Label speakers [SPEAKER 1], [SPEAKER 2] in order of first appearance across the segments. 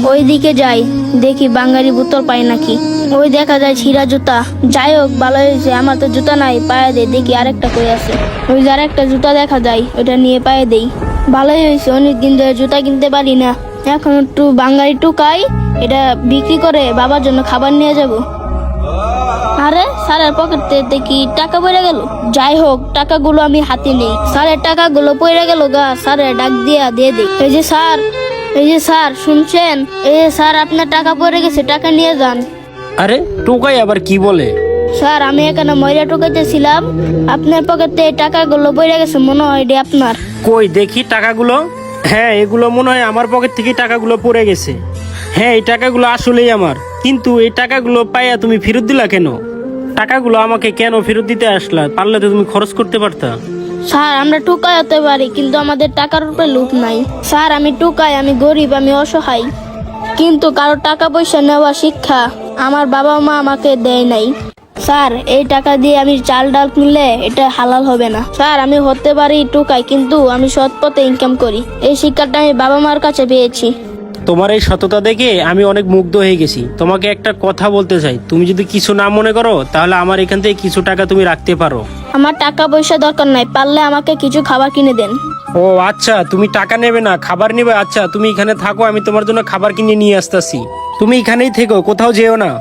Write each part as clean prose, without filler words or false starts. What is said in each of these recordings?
[SPEAKER 1] ওই দিকে যাই, দেখি বাঙালি বোতল পাই নাকি। ওই দেখা যায় ছিঁড়া জুতা। যাই হোক, ভালো হয়েছে, আমার তো জুতা নাই, পায়ে দেই, দেখি আরেকটা কই আছে। ওই যে আরেকটা জুতা দেখা যায়, ওটা নিয়ে পায়ে দেই। ভালোই হয়েছে, অনেকদিন ধরে জুতা কিনতে পারি না, এখন একটু বাঙালি টুকাই, এটা বিক্রি করে বাবার জন্য খাবার নিয়ে যাব। আরে স্যারের পকেটে দেখি টাকা পড়ে গেল। যাই হোক, টাকাগুলো আমি হাতে নেই। স্যারের টাকাগুলো পড়ে গেল গা, স্যারের ডাক দিয়ে দিই। এই যে স্যার, এই যে স্যার, শুনছেন? এই যে স্যার, আপনার টাকা পড়ে গেছে, টাকা নিয়ে যান।
[SPEAKER 2] আরে টোকাই আবার কি বলে?
[SPEAKER 1] স্যার, আমি এখানে ময়লা টোকাইতেছিলাম, আপনার পকেটে টাকাগুলো পড়ে গেছে, মনে হয় এটি আপনার।
[SPEAKER 2] কই দেখি টাকাগুলো। হ্যাঁ, এগুলো মনে হয় আমার পকেট থেকে টাকাগুলো পড়ে গেছে। হ্যাঁ, এই টাকাগুলো আসলেই আমার। কিন্তু এই টাকাগুলো পাইয়া তুমি ফেরত দিলা কেন? টাকাগুলো আমাকে কেন ফেরত দিতে আসলা? পারলে তো তুমি খরচ করতে পারতা।
[SPEAKER 1] স্যার, আমরা টুকাই হতে পারি, কিন্তু আমাদের টাকার উপরে লোভ নাই। স্যার, আমি টুকাই, আমি গরিব, আমি অসহায়, কিন্তু কারো টাকা পয়সা নেওয়া শিক্ষা আমার বাবা মা আমাকে দেয় নাই। স্যার, এই টাকা দিয়ে আমি চাল ডাল কিনলে এটা হালাল হবে না। স্যার, আমি হতে পারি টুকাই, কিন্তু আমি সৎ পথে ইনকাম করি। এই শিক্ষাটা আমি বাবা মার কাছে পেয়েছি।
[SPEAKER 2] তোমার এই সততা দেখে আমি অনেক মুগ্ধ হয়ে গেছি। তোমাকে একটা কথা বলতে চাই, তুমি যদি কিছু না মনে করো তাহলে আমার এখান থেকে কিছু টাকা তুমি রাখতে পারো।
[SPEAKER 1] আমার টাকা পয়সা দরকার নাই, পারলে আমাকে কিছু খাবার কিনে দেন।
[SPEAKER 2] ও আচ্ছা, তুমি টাকা নেবে না, খাবার নেবে। আচ্ছা, তুমি এখানে থাকো, আমি তোমার জন্য খাবার কিনে নিয়ে আসতেছি। তুমি এখানেই থেকো, কোথাও যেও না।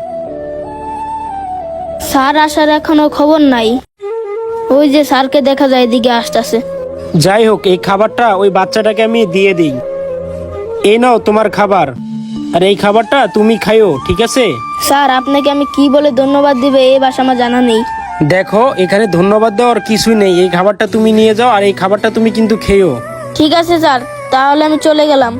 [SPEAKER 1] স্যার আসার এখনো খবর নাই। ওই যে স্যারকে দেখা যায় এদিকে আসতেছে।
[SPEAKER 2] যাই হোক, এই খাবারটা ওই বাচ্চাটাকে আমি দিয়ে দিই। এই নাও তোমার খাবার, আর এই খাবারটা তুমি খাইও, ঠিক আছে?
[SPEAKER 1] স্যার, আপনাকে আমি কি বলে ধন্যবাদ দিবে এই ভাষা আমার জানা নেই।
[SPEAKER 2] দেখো, এখানে ধন্যবাদ দেওয়ার কিছুই নেই। এই খাবারটা তুমি নিয়ে যাও, আর এই খাবারটা তুমি কিন্তু খেয়েও।
[SPEAKER 1] ঠিক আছে স্যার, তাহলে আমি চলে গেলাম।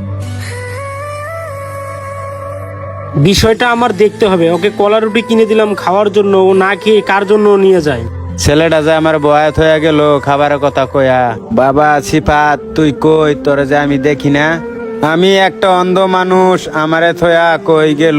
[SPEAKER 2] বিষয়টা আমার দেখতে হবে। ওকে কলা রুটি কিনে দিলাম খাওয়ার জন্য, ও না খেয়ে কার জন্য নিয়ে যায়।
[SPEAKER 3] ছেলেটা যে আমার বয়াত হয়ে গেল খাবারের কথা কয়া। বাবা সিফাত, তুই কই? তোরে যে আমি দেখি না। আমি একটা অন্ধ মানুষ, আমারে থয়া কই গেল?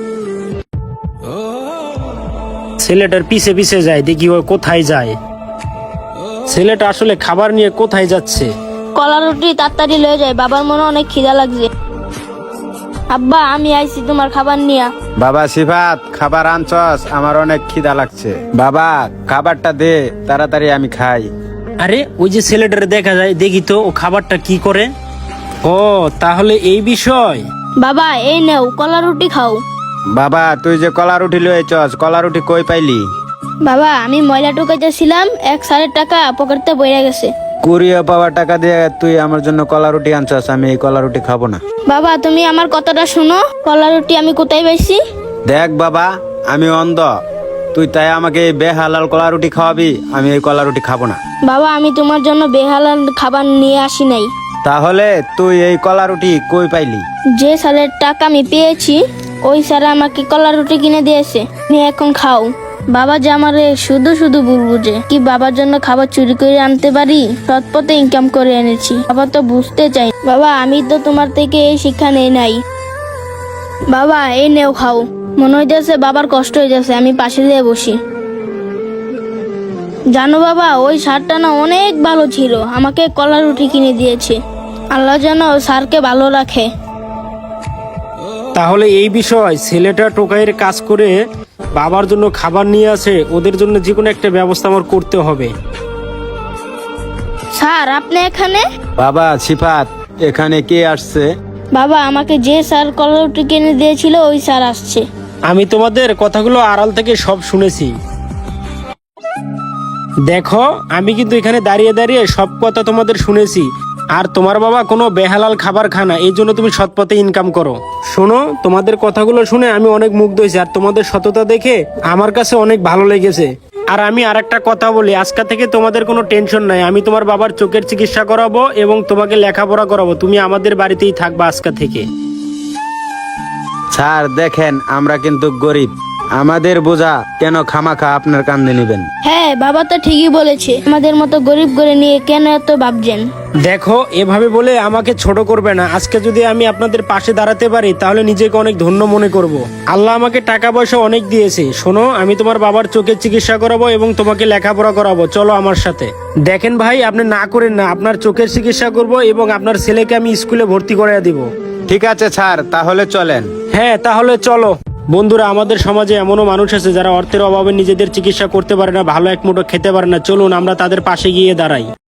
[SPEAKER 2] ছেলেটার পিছে পিছে যায়, দেখি ও কোথায় যায়। ছেলেটা আসলে খাবার নিয়ে কোথায় যাচ্ছে?
[SPEAKER 1] কলা রুটি তাড়াতাড়ি লয়ে যায়, বাবার মনে অনেক খিদা লাগছে। আব্বা, আমি আইছি তোমার খাবার নিয়া।
[SPEAKER 3] বাবা সিফাত, খাবার আনছস? আমার অনেক খিদা লাগছে। বাবা, খাবারটা দে তাড়াতাড়ি, আমি খাই।
[SPEAKER 2] আরে ওই যে ছেলেটারে দেখা যায়, দেখি তো ও খাবারটা কি করে। ও তাহলে এই বিষয়।
[SPEAKER 1] বাবা, এই নেও কলা রুটি খাও।
[SPEAKER 3] বাবা, তুই যে কলা রুটি লয়েছস, কলা রুটি কই পাইলি?
[SPEAKER 1] বাবা, আমি ময়লা টুকাইতেছিলাম, এক স্যারের টাকা পকেটে বইয়া গেছে।
[SPEAKER 3] কুড়িয়ে পাওয়া টাকা দিয়ে তুই আমার জন্য কলা রুটি আনছস, আমি এই কলা রুটি খাবো না।
[SPEAKER 1] বাবা, তুমি আমার কথাটা শোনো, কলা রুটি আমি কোথায় পাইছি?
[SPEAKER 3] দেখ বাবা, আমি অন্ধ, তুই তাই আমাকে এই বেহালাল কলা রুটি খাওয়াবি? আমি এই কলা রুটি খাবো না।
[SPEAKER 1] বাবা, আমি তোমার জন্য বেহালাল খাবার নিয়ে আসি নাই।
[SPEAKER 3] তাহলে তুই এই কলা রুটি কই পাইলি?
[SPEAKER 1] যে স্যারের টাকা আমি পেয়েছি, ওই স্যার আমাকে কলা রুটি কিনে দিয়েছে, তুমি এখন খাও। বাবা যে আমারে শুধু শুধু ভুল বুঝে, কি বাবার জন্য খাবার চুরি করে আনতে পারি? সৎ পথে ইনকাম করে এনেছি, বাবা তো বুঝতে চাই। বাবা, আমি তো তোমার থেকে এই শিক্ষা নেই নাই। বাবা, এই নেও খাও। মনে হইতেছে বাবার কষ্ট হয়ে যাচ্ছে, আমি পাশে দিয়ে বসি। জানো বাবা, ওই স্যারটা না অনেক ভালো ছিল, আমাকে কলা রুটি কিনে দিয়েছে। আল্লাহ যেন স্যারকে ভালো রাখে।
[SPEAKER 2] তাহলে এই বিষয়, ছেলেটা টোকাইয়ের কাজ করে বাবার জন্য খাবার নিয়ে আসে, ওদের জন্য যে কোনো একটা ব্যবস্থা আমার করতে হবে।
[SPEAKER 1] স্যার, আপনি এখানে?
[SPEAKER 3] বাবা সিফাত, এখানে কে আসছে?
[SPEAKER 1] বাবা, আমাকে যে স্যার কলা রুটি কিনে দিয়েছিল ওই স্যার আসছে।
[SPEAKER 2] আমি তোমাদের কথাগুলো আড়াল থেকে সব শুনেছি। দেখো, আমি কিন্তু এখানে দাঁড়িয়ে দাঁড়িয়ে সব কথা তোমাদের শুনেছি। আর তোমার বাবা কোনো বেহালাল খাবার খানা, এই জন্য তুমি সৎ পথে ইনকাম করো। শোনো, তোমাদের কথাগুলো শুনে আমি অনেক মুগ্ধ হয়েছি, আর তোমাদের সততা দেখে আমার কাছে অনেক ভালো লেগেছে। আর আমি আর একটা কথা বলি, আজকে থেকে তোমাদের কোনো টেনশন নাই। আমি তোমার বাবার চোখের চিকিৎসা করাবো এবং তোমাকে লেখাপড়া করাবো। তুমি আমাদের বাড়িতেই থাকবা আজকে থেকে।
[SPEAKER 3] স্যার দেখেন, আমরা কিন্তু গরিব, আমাদের বোঝা কেন খামাখা আপনার কান্দে নেবেন?
[SPEAKER 1] হ্যাঁ, বাবা তো ঠিকই বলেছে, আমাদের মতো গরিব করে নিয়ে কেন এত ভাবছেন?
[SPEAKER 2] দেখো, এভাবে বলে আমাকে ছোট করবে না। আজকে যদি আমি আপনাদের পাশে দাঁড়াতে পারি তাহলে নিজেকে অনেক ধন্য মনে করব। আল্লাহ আমাকে টাকা পয়সা অনেক দিয়েছে। শোনো, আমি তোমার বাবার চোখের চিকিৎসা করাবো এবং তোমাকে লেখাপড়া করাবো, চলো আমার সাথে। দেখেন ভাই, আপনি না করেন না, আপনার চোখের চিকিৎসা করব এবং আপনার ছেলেকে আমি স্কুলে ভর্তি করে দিব।
[SPEAKER 3] ঠিক আছে স্যার, তাহলে চলেন।
[SPEAKER 2] হ্যাঁ তাহলে চলো। বন্ধুরা, আমাদের সমাজে এমনও মানুষ আছে যারা অর্থের অভাবে নিজেদের চিকিৎসা করতে পারে না, ভালো এক মুঠো খেতে পারে না। চলুন আমরা তাদের পাশে গিয়ে দাঁড়াই।